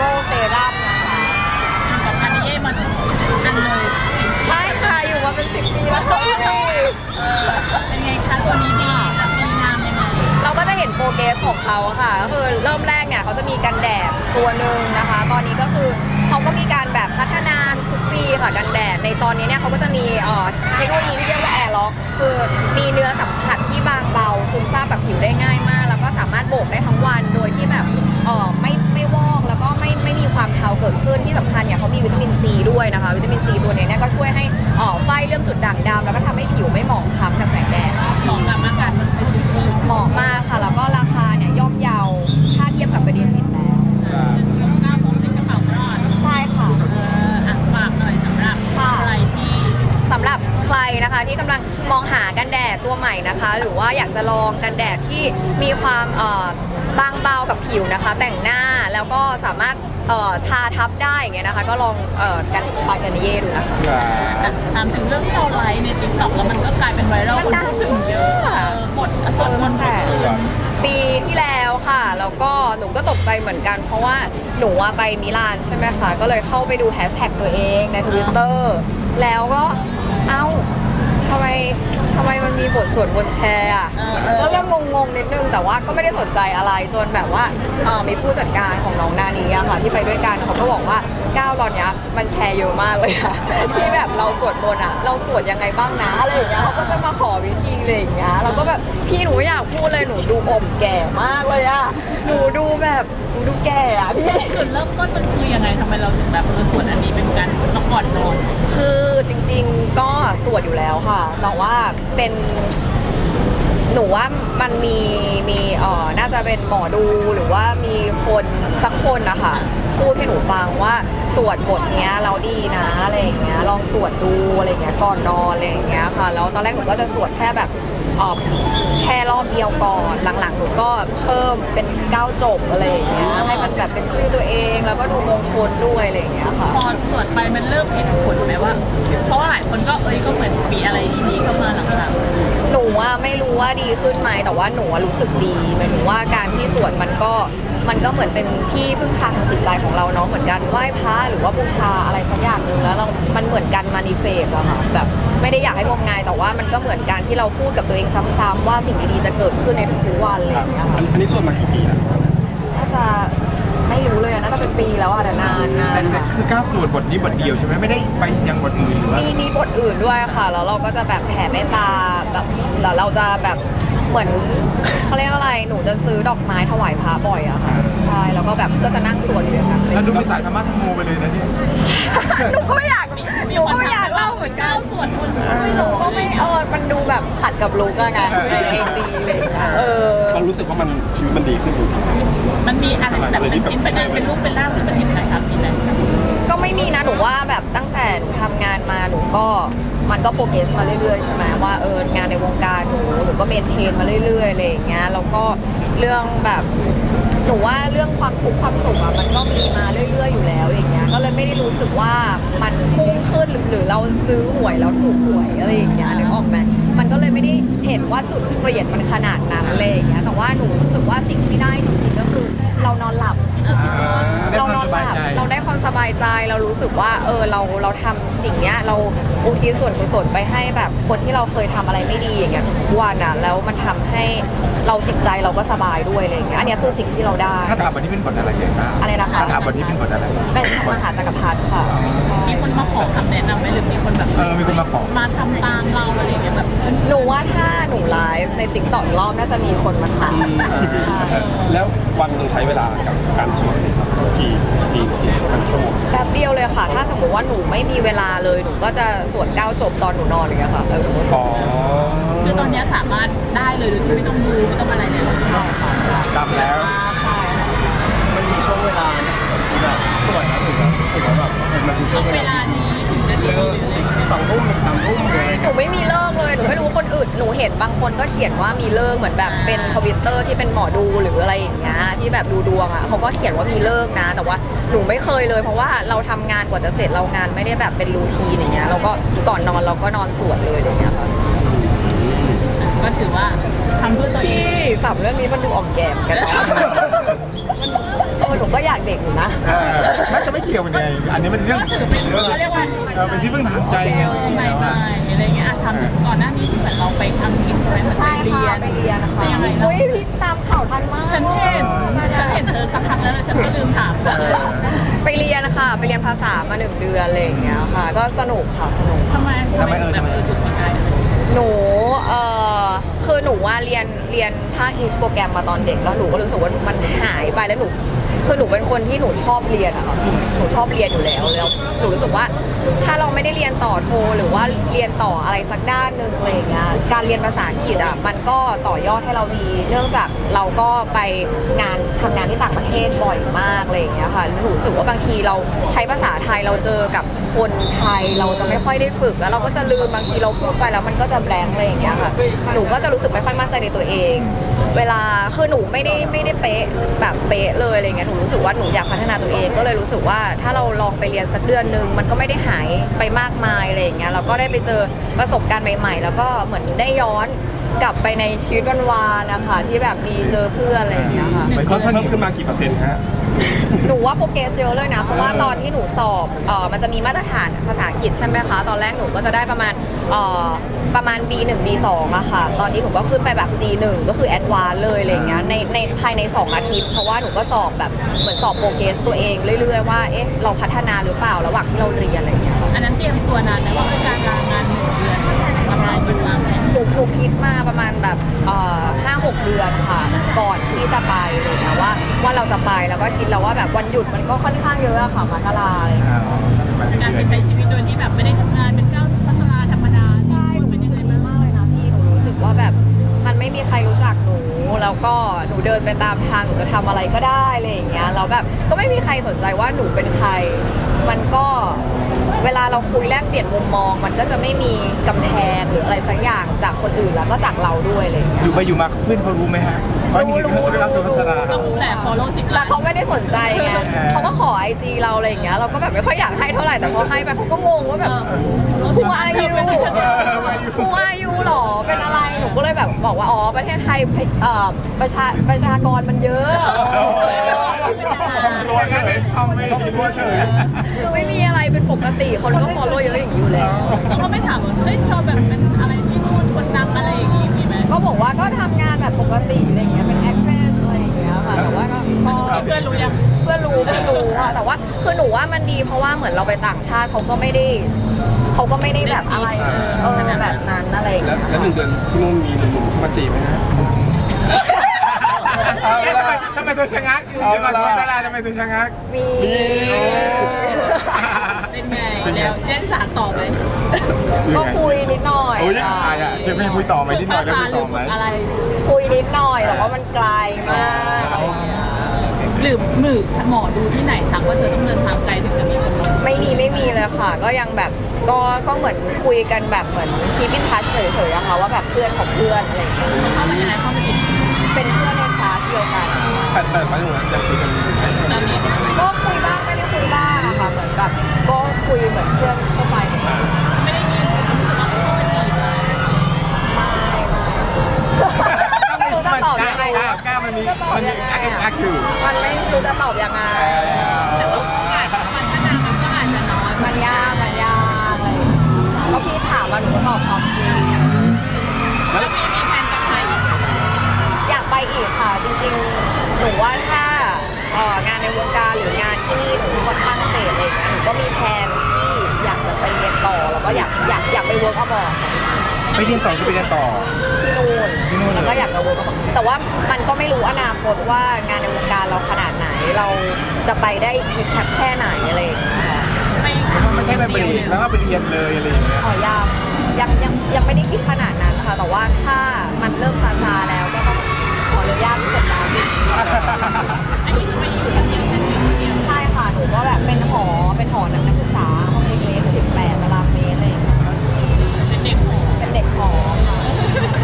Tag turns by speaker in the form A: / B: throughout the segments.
A: เซรั่มนะคะ
B: กับอันนี้มันอันเลย
A: ใช่ค่ะอยู่มาเป็น10 ปีแล้วค่ะ
B: เป็นไงคะตัวนี้ดีและดีงามยังไง
A: เราก็จะเห็นโปรเกรสของเขาค่ะก็คือเริ่มแรกเนี่ยเขาจะมีกันแดดตัวหนึ่งนะคะ ตอนนี้ก็คือเขาก็มีการแบบพัฒนาทุกปีค่ะกันแดดในตอนนี้เนี่ยเขาก็จะมีเทคโนโลยีที่เรียกว่าแอร์ล็อกคือมีเนื้อสัมผัสที่บางเบาซึมซาบแบบผิวได้ง่ายมากแล้วก็สามารถโบกได้ทั้งวันโดยที่แบบไม่วอกแล้วก็ไม่มีความเทาเกิดขึ้นที่สำคัญเนี่ยเขามีวิตามินซีด้วยนะคะวิตามินซีตัวนี้เนี่ยก็ช่วยให้ไฟเรื่องจุดด่างดำแล้วก็ทำให้ผิวไม่หมองคล้ำจากแสงแดด
B: เหมาะกับอากาศเมืองไทยสุดๆ
A: เหมาะมากค่ะแล้วก็ราคาเนี่ยย่อมเยาถ้าเทียบกับประเดียฟิตแล้ว
B: ซึ่งคุ้มค่าผมเป็นกระเป๋ารอด
A: ใช่ค่ะ
B: ฝากหน่อยสำหรับใครที่
A: สำหรับใครนะคะที่กำลังมองหากันแดดตัวใหม่นะคะ หรือว่าอยากจะลองกันแดดที่มีความบางเบากับผิวนะคะ แต่งหน้าแล้วก็สามารถทาทับได้อย่างเงี้ยนะคะก็ลองกันปาการนิเย่ดูนะคะ
B: ถามถึงเรื่องที่เราไลฟ์ใน TikTok แล้วมันก็กลายเป็นไวรัลคนพูดถึงเยอะหมดส่วนคนแต่
A: ปีที่แล้วค่ะแล้วก็หนูก็ตกใจเหมือนกันเพราะว่าหนูไปมิลานใช่ไหมคะก็เลยเข้าไปดูแฮชแท็กตัวเองใน Twitter แล้วก็เอ้าทำไมมันมีบทสวดบนแชร์อ่ะก็เริ่มงงนิดนึงแต่ว่าก็ไม่ได้สนใจอะไรจนแบบว่ามีผู้จัดการของน้องนานีอะค่ะที่ไปด้วยกันเขาก็บอกว่าก้าวตอนนี้มันแชร์เยอะมากเลยค่ะที่แบบเราสวดมนต์อะเราสวดยังไงบ้างนะอะไรอย่างเงี้ยเขาก็จะมาขอวิธีอะไรอย่างเงี้ยเราก็แบบพี่หนูไม่อยากพูดเลยหนูดูอมแก่มากเลยอะหนูดูแก่อะพี่
B: จุดเริ่มต้นมันคือยังไงทำไมเราถึงแบบสวดอันนี้เป็นการก่อนนอน
A: คือจริงๆก็สวดอยู่แล้วค่ะแต่ว่าเป็นหนูว่ามันมีน่าจะเป็นหมอดูหรือว่ามีคนสักคนนะคะพูดให้หนูฟังว่าสวดบทเนี้ยเราดีนะอะไรอย่างเงี้ยลองสวดดูอะไรอย่างเงี้ยก่อนนอนอะไรอย่างเงี้ยค่ะแล้วตอนแรกหนูก็จะสวดแค่แบบแค่รอบเดียวก่อนหลังๆหนูก็เพิ่มเป็น9 จบอะไรอย่างเงี้ยให้มันแบบเป็นชื่อตัวเองแล้วก็ดูมงคลด้วยอะไรอย่างเงี้ยค่ะ
B: พอสวดไปมันเริ่มเห็นผลไหมว่าเพราะว่าหลายคนก็ก็เหมือนมีอะไรดีๆเข้ามาหลัง
A: ๆหนูว่าไม่รู้ว่าดีขึ้นไหมแต่ว่าหนูรู้สึกดีหมายถึงว่าการที่สวดมันก็เหมือนเป็นที่พึ่งพาทางจิตใจของเราเนาะเหมือนกันไหว้พระหรือว่าบูชาอะไรสักอย่างหนึ่งแล้วมันเหมือนกันมานิเฟสอะค่ะแบบไม่ได้อยากให้งมงายแต่ว่ามันก็เหมือนการที่เราพูดกับตัวเองซ้ำๆว่าสิ่งดีๆจะเกิดขึ้นในทุกๆวันอะไรอย่างเงี้ยค่ะ
C: อันนี้สวดมากี่ปีแล้ว
A: น่าจะไม่รู้เลยน่าจะเป็นปีแล้วอะแต่นาน
C: แต่คือก้าวสวดบทนี้บทเดียวใช่ไหมไม่ได้ไปยังบทอื่นหรือว่า
A: มีบทอื่นด้วยค่ะแล้วเราก็จะแบบแผ่เมตตาแบบแล้วเราจะแบบเหมือนเขาเรียกอะไรหนูจะซื้อดอกไม้ถวายพระบ่อยอะค่ะใช่แล้วก็แบบก็จะนั่งสวดอยู่อย่างนั้นเลย
C: แล้วดูเป็นสายธรรมะธรรมโมไปเลยนะเนี่ย
A: หนูก็ไม่อยากเล่าเหมือนกัน
B: สวดมนต์
A: ไม่รู้ก็ไม่มันดูแบบขัดกับลุกอะไงเองดีเลย
C: เรารู้สึกว่ามันชีวิตมันดีขึ้นจริง
B: ๆมันมีอะไรแบบเป็นชิ้นเป็นรูปเป็นร่างที่มันเห็นชัดๆนี่แหละ
A: ก็ไม่มีนะหนูว่าแบบตั้งแต่ทำงานมาหนูก็มันก็โปรเกรสมาเรื่อยๆใช่ไหมว่างานในวงการหนูก็เมนเทนมาเรื่อยๆอะไรอย่างเงี้ยแล้วก็เรื่องแบบหนูว่าเรื่องความทุกข์ความสุขอะมันก็มีมาเรื่อยๆอยู่แล้วอย่างเงี้ยก็เลยไม่ได้รู้สึกว่ามันพุ่งขึ้นหรือเราซื้อหวยแล้วถูกหวยอะไรอย่างเงี้ยนึกออกไหมมันก็เลยไม่ได้เห็นว่าจุดเปลี่ยนมันขนาดนั้นเลยอย่างเงี้ยแต่ว่าหนูรู้สึกว่าสิ่งที่ได้จริงๆก็คือเรานอนหลับเรานอนหลับเราได้ความสบายใจเรารู้สึกว่าเราทำสิ่งเนี้ยเราอุทิศส่วนกุศลไปให้แบบคนที่เราเคยทำอะไรไม่ดีอย่างเงี้ยทุกวันอ่ะแล้วมันทำให้เราจิตใจเราก็สบายด้วยอะไรอย่างเงี้ยอันนี้คือสิ่งที่เราได้
C: ถ้าถามวันนี้เป็นบทอะไรเงี้ย
A: อะไรนะคะ
C: ถ้าถามวันนี้เป็นบทอะไร
A: เป็นมหาจักรพรรดิค่ะ
B: มีคนมาขอคำแนะนำไหมหรือมีคนแบบ
C: มีคนมาขอ
B: มาทำตามเราอะไรอย่างเงี้ยแบบ
A: หนูว่าถ้าหนูไลฟ์ในติ๊กต็อกรอบน่าจะมีคนมาถาม
C: แล้ววันนึงใช้เวลากับการสวดกี่ชั่วโมง
A: แป๊บเดียวเลยค่ะถ้าสมมติว่าหนูไม่มีเวลาเลยหนูก็จะสวด9 จบตอนหนูนอนอย่างเงี้ยค่ะ
B: คือตอนนี้สามารถได้เลยโดยที่ไม่ต้องดูไม่ต้องอะไรเลย
A: ใช่ค่ะ
C: กลับแล้วมันมีช่วงเวลาที่แบบสวดแล้วถึงแบบมันเป็นช่วง
B: เวลานี้ถึงจะดี
C: 2 ทุ่ม3 ทุ่มเลย
A: หนูไม่มีเลิกเลยหนูไม่รู้คนอื่นหนูเห็นบางคนก็เขียนว่ามีเลิกเหมือนแบบเป็นทวิตเตอร์ที่เป็นหมอดูหรืออะไรอย่างเงี้ยที่แบบดูดวงอ่ะเขาก็เขียนว่ามีเลิกนะแต่ว่าหนูไม่เคยเลยเพราะว่าเราทำงานกว่าจะเสร็จเรางานไม่ได้แบบเป็นรูทีนอย่างเงี้ยเราก็ก่อนนอนเราก็นอนสวดเลยอย่างเงี้ยค่ะ
B: ก็ถือว่าทำเพื่อตัวเอง
A: ที่สับเรื่องนี้มันดูอ่อมแกมกันหนูก็อยากเด็กอยู่นะ
D: น่าจะไม่เกี่ยวกันไงอันนี้มันเรื่อง
B: ก็ถือเป็นเขาเรียกว่า
D: เป็นที่พึ่งทางใจไงจริงๆ
B: ใหม่
D: แล้ว
B: ๆอะไรเงี้ยทำก่อนหน้านี้เหมือนเราไปทำกิจใช่ไหม
A: ใช่
B: ไปเรีย
A: ค่ะ
B: น
A: ไปเรียนนะคะ
B: เป็นยังไง
A: อุ้ยพี่ตามข่าวทันมาก
B: ฉันเห็นเธอสักพักแล้วฉันก็ลืมถาม
A: ไปเรียนนะคะไปเรียนภาษามา1 เดือนอะไรอย่างเงี้ยค่ะ ก็สนุกค่ะสนุก
B: ทำไมแบบจุดประกาย
A: หนูคือหนูว่าเรียนภาค English โปรแกรมมาตอนเด็กแล้วหนูก็รู้สึกว่ามันหายไปแล้วหนูคือหนูเป็นคนที่หนูชอบเรียนอะค่ะพี่หนูชอบเรียนอยู่แล้วหนูรู้สึกว่าถ้าเราไม่ได้เรียนต่อโทหรือว่าเรียนต่ออะไรสักด้านหนึ่งอะไรอย่างเงี้ยการเรียนภาษาอังกฤษอะมันก็ต่อยอดให้เราดี เนื่องจากเราก็ไปทำงานที่ต่างประเทศบ่อยมากอะไรอย่างเงี้ยค่ะหนูรู้สึกว่าบางทีเราใช้ภาษาไทยเราเจอกับคนไทยเราจะไม่ค่อยได้ฝึกแล้วเราก็จะลืมบางทีเราพูดไปแล้วมันก็จะแบงค์อะไรอย่างเงี้ยค่ะหนูก็จะรู้สึกไม่ค่อยมั่นใจในตัวเอง เวลาคือหนูไม่ได้เป๊ะแบบเป๊ะเลยอะไรเงี้ยหนูรู้สึกว่าหนูอยากพัฒนาตัวเองก็เลยรู้สึกว่าถ้าเราลองไปเรียนสักเดือนนึงมันก็ไม่ได้หายไปมากมายอะไรอย่างเงี้ยเราก็ได้ไปเจอประสบการณ์ใหม่ๆ แล้วก็เหมือนได้ย้อนกลับไปในชีวิตวันวานนะคะที่แบบมีเจอเพื่อนอะไรอย่างเงี้ยค่ะ
D: มันก็เพิ่มขึ้นมากี่เปอร์เซ็นต์ฮะ
A: หนูว่าโปรเกรสเยอะเลยนะเพราะว่าตอนที่หนูสอบมันจะมีมาตรฐานภาษาอังกฤษใช่ไหมคะตอนแรกหนูก็จะได้ประมาณ B1 B2 อะค่ะตอนนี้หนูก็ขึ้นไปแบบ C1 ก็คือแอดวานซ์เลยอะไรเงี้ยในภายใน2 อาทิตย์เพราะว่าหนูก็สอบแบบเหมือนสอบโปรเกรสตัวเองเรื่อยๆว่าเอ๊ะเราพัฒนาหรือเปล่าระหว่างที่เราเรียนอะไรเงี้ย
B: อันนั้นเตรียมตัวนานไหมว่าการลางาน1 เดือนทำงานอยู่บ้างไหม
A: หนูคิดมาประมาณแบบ5-6 เดือนค่ะก่อนที่จะไปเลยนะว่าเราจะไปแล้วก็คิดแล้วว่าแบบวันหยุดมันก็ค่อนข้างเยอะอะค่ะมกราอะไรอย่างเงี้ย
B: การไปใช้ชีวิตโดยที่แบบไม่ได้ทำงานเป็นก้าวพัฒนาธรรมดา
A: ใช่หนู
B: เป็นยังไง
A: รู้สึก
B: บ้าง
A: มากเลยนะพี่หนูรู้สึกว่าแบบมันไม่มีใครรู้จักหนูแล้วก็หนูเดินไปตามทางหนูจะทำอะไรก็ได้อะไรอย่างเงี้ยแล้วแบบก็ไม่มีใครสนใจว่าหนูเป็นใคร มันก็เวลาเราคุยแลกเปลี่ยนมุมมอง มันก็จะไม่มีกำแพงหรืออะไรสักอย่างจากคนอื่นแล้วก็จากเราด้วยอะไรอย่างเงี้ย
D: อยู่ไปอยู่มาเพื่อนเขารู้ไหมฮะว่านี่คือได้รับสุภัสรา
B: ต้องรู้แหละ follow 10
A: แต่
B: ล้าน
A: เขาไม่ได้สนใจไงเขาก็ขอไอจีเราอะไรอย่างเงี้ยเราก็แบบไม่ค่อยอยากให้เท่าไหร่แต่พอให้ไปเขาก็งงว่าแบบ Who are you Who are you หรอเป็นอะไรหนูก็เลยแบบบอกว่าอ๋อประเทศไทยประชากรมันเยอะ
D: ตัวเฉยทำไม่ตัวเฉย
A: ไม่มีอะไรเป็นปกติคนก็ follow เยอะอย่างนี้อยู่แล้ว
B: แล้วเขาไม่ถามว่าเฮ้ยเธอแบบเป็นอะไรที่นู่นคนดังอะไรอย่างงี้มีไหม
A: ก็บอกว่าก็ทำงานแบบปกติอะไรอย่างเงี้ยเป็น actress อะไรอย่างเงี้ยค่ะแต่ว่าก็
B: เพื่อนรู้ยัง
A: เพื่อนรู้ค่ะแต่ว่าคือหนูว่ามันดีเพราะว่าเหมือนเราไปต่างชาติเขาก็ไม่ได้แบบอะไรแบบนั้นอะไรอย่าง
E: แล้
A: เงี้
E: วย 1 เดือนที่นู่นมีหนุ่มๆเข้ามาจีบไหมฮะ
D: ทำไมตัวชะงักอยู่ดีมาสุภัสราทำไมตัวชะงัก
A: มี
B: เป็นไงแล้วเล่นสารต่อไหม
A: ก็คุยนิดหน่อย
D: โอ้ย
A: ค่ะ
D: จะไม่คุยต่อไหมนิดหน่อยได้
B: ภา
D: คุ
B: ษาย หรื
D: ต่
B: อ
D: อไหม
B: อะไร
A: คุยนิดหน่อยแต่ว่ามันไกลมากอะไรอย่างเงี้ย
B: หรือหมอดูที่ไหนทักว่าเธอต้องเดินทางไกลถึงจะมีคนรัก
A: ไม่มีเลยค่ะ ก็ยังแบบก็เหมือนคุยกันแบบเหมือนคีปอินทัชเฉยๆอะค่ะว่าแบบเพื่อนของเพื่อนอะไรอย่างเงี้ย
B: เขาเข้ามายังไงเข้ามาจีบ
A: เป็นเพื่อนในคลาสเดียวกัน
E: แต่ตอนนี้ยังคุยกันอยู่ไหม
B: ตอนนี้
A: ก็คุยบ้างไม่ได้คุยบ้างอะค่ะเหมือนแบบก็คุยเหมือนเพื่อนทั่วไปไม่
B: ไม่ได้มีความรู้สึกว่าเขามาจีบเลย
A: ไม่รู้จะตอบยังไง
D: กล้ามันมีอักอยู่
A: มันไม่รู้จะตอบยังไง
B: แต่ว่าโอกาสพัฒนามันก็อาจจะน้อย
A: มันยากอะไรอย่างเงี้ยก็พี่ถามมาหนูก็ตอบความจริง
B: แล้วมีแฟนกับใครอีก
A: อยากไปอีกค่ะ จริงๆ หนูว่าถ้างานในวงการหรืองานที่นี่หนูค่อนข้างเสร็จอะไรอย่างเงี้ยหนูก็มีแผนที่อยากจะไปเรียนต่อแล้วก็อยากไปเวิร์กอัพบอร์ด
D: ไปเรียนต่อคือไปเรียนต่อ
A: ที่นู่น
D: ที่นู่นเลย
A: แล้วก็อยากจะเวิร์กอัพบอร์ดแต่ว่ามันก็ไม่รู้อนาคตว่างานในวงการเราขนาดไหนเราจะไปได้อีกแค่ไหนอะไรอย่างเงี้ยค่ะ
D: ไม่ใช่ไปเรียนแล้วก็ไปเรียนเลยอะไรอย่างเงี้ย
A: ขอยังไม่ได้คิดขนาดนั้นค่ะแต่ว่าถ้ามันเริ่มซาๆแล้วก็ต้องขออนุญาตกดดัน
B: อันนี้คือไปอยู่คนเดียวฉันอยู่คนเดียว
A: ใช่ค่ะ หนูก็แบบเป็นหอนักศึกษาห้องเล็กๆ18 ตารางเมตรอะไรอย่างเงี้ย
B: เป็นเด็กหอ
A: เป็นเด็กหอค่ะ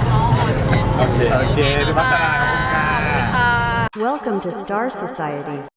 D: โอเคสุภัสราขอบคุณค่ะ
A: ค่ะ
F: Welcome to Star Society.